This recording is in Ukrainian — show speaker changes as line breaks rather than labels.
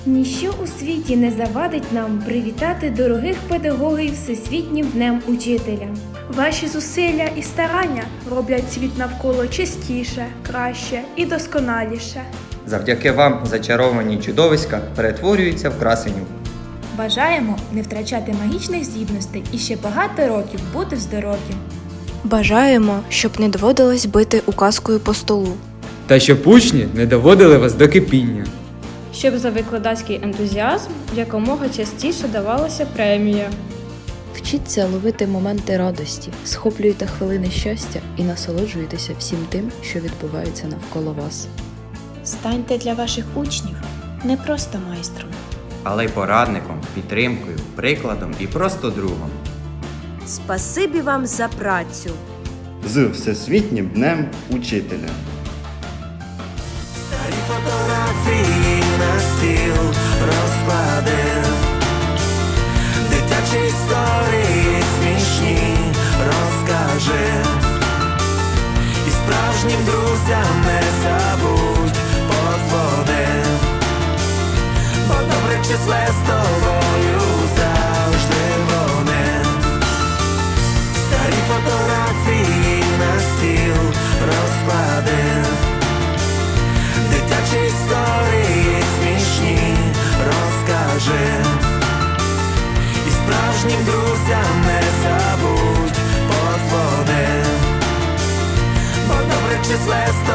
Ніщо у світі не завадить нам привітати дорогих педагогів Всесвітнім днем учителя.
Ваші зусилля і старання роблять світ навколо чистіше, краще і досконаліше.
Завдяки вам зачаровані чудовиська перетворюються в красенів.
Бажаємо не втрачати магічних здібностей і ще багато років бути здорові.
Бажаємо, щоб не доводилось бити указкою по столу.
Та щоб учні не доводили вас до кипіння.
Щоб за викладацький ентузіазм якомога частіше давалася премія.
Вчіться ловити моменти радості, схоплюйте хвилини щастя і насолоджуйтеся всім тим, що відбувається навколо вас.
Станьте для ваших учнів не просто майстром,
Але й порадником, підтримкою, прикладом і просто другом.
Спасибі вам за працю!
З Всесвітнім днем учителя!
Старі фотографії на стіл розклади, дитячі історії смішні розкажи, і справжнім друзям не забудь подзвони, бо добре числе з тобою завжди вони. Старі фотографії на стіл розклади, дитячі історії смішні розкажи, і справжнім друзям не забудь подзвони, бо добре числе з тобою